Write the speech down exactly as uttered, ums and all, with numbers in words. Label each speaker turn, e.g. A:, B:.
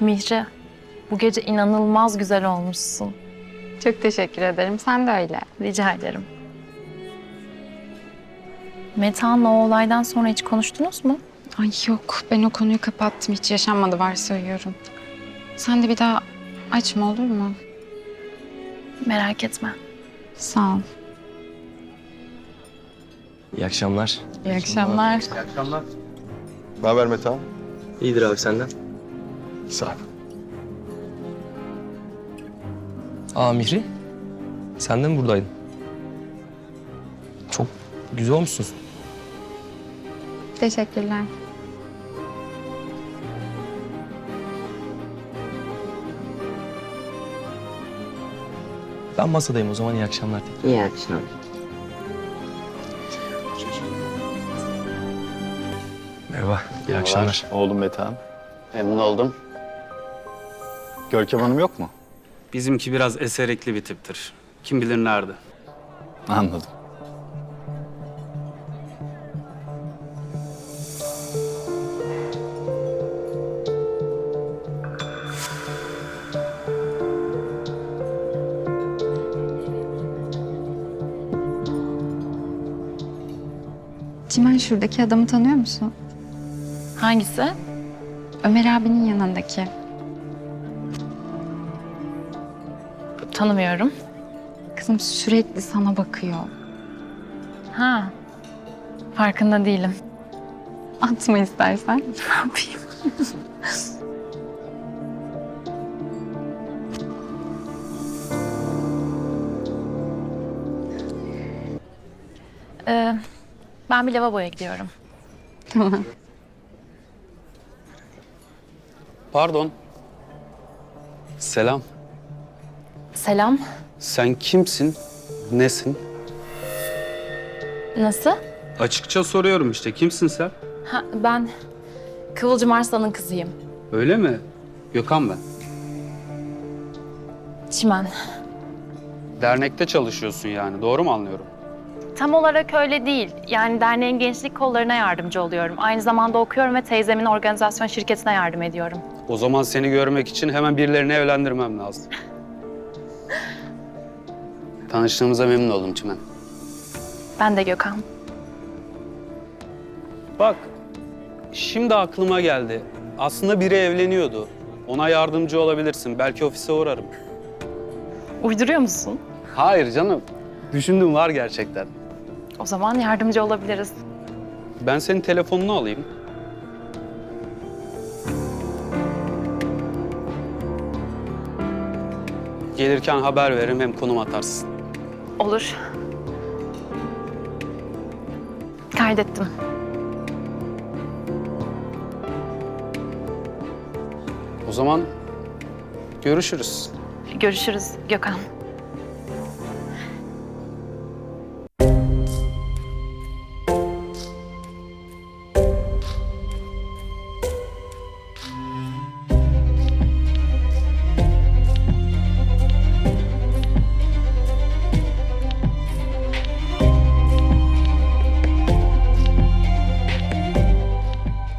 A: Mihri, bu gece inanılmaz güzel olmuşsun.
B: Çok teşekkür ederim. Sen de öyle.
A: Rica ederim. Metehan'la o olaydan sonra hiç konuştunuz mu?
B: Ay yok, ben o konuyu kapattım. Hiç yaşanmadı varsayıyorum. Sen de bir daha açma, olur mu?
A: Merak etme.
B: Sağ ol.
C: İyi akşamlar.
B: İyi akşamlar.
D: İyi akşamlar. Ne haber Metehan?
C: İyidir abi senden.
D: Sağ ol.
C: Aa Mihri, sen de mi buradaydın? Çok güzel olmuşsun.
B: Teşekkürler.
C: Ben masadayım o zaman, iyi akşamlar tekrar.
E: İyi akşamlar.
C: Merhaba, iyi akşamlar.
D: Oğlum Metehan. Memnun oldum. Görkem Hanım yok mu?
F: Bizimki biraz eserikli bir tiptir. Kim bilir nerede.
D: Anladım.
B: Çimen, şuradaki adamı tanıyor musun?
A: Hangisi?
B: Ömer abinin yanındaki.
A: Tanımıyorum.
B: Kızım sürekli sana bakıyor.
A: Ha, farkında değilim.
B: Atma istersen.
A: Ne yapayım? ee, ben bir lavaboya gidiyorum.
B: Tamam.
F: Pardon. Selam.
A: Selam.
F: Sen kimsin? Nesin?
A: Nasıl?
F: Açıkça soruyorum işte. Kimsin sen?
A: Ha, ben Kıvılcım Arslan'ın kızıyım.
F: Öyle mi? Gökhan ben.
A: Çimen.
F: Dernekte çalışıyorsun yani. Doğru mu anlıyorum?
A: Tam olarak öyle değil. Yani derneğin gençlik kollarına yardımcı oluyorum. Aynı zamanda okuyorum ve teyzemin organizasyon şirketine yardım ediyorum.
F: O zaman seni görmek için hemen birilerini evlendirmem lazım. Tanıştığımıza memnun oldum Çimen.
A: Ben de Gökhan.
F: Bak, şimdi aklıma geldi. Aslında biri evleniyordu. Ona yardımcı olabilirsin. Belki ofise uğrarım.
A: Uyduruyor musun?
F: Hayır canım. Düşündüm, var gerçekten.
A: O zaman yardımcı olabiliriz.
F: Ben senin telefonunu alayım. Gelirken haber veririm, hem konum atarsın.
A: Olur. Kaydettim.
F: O zaman görüşürüz.
A: Görüşürüz Gökhan.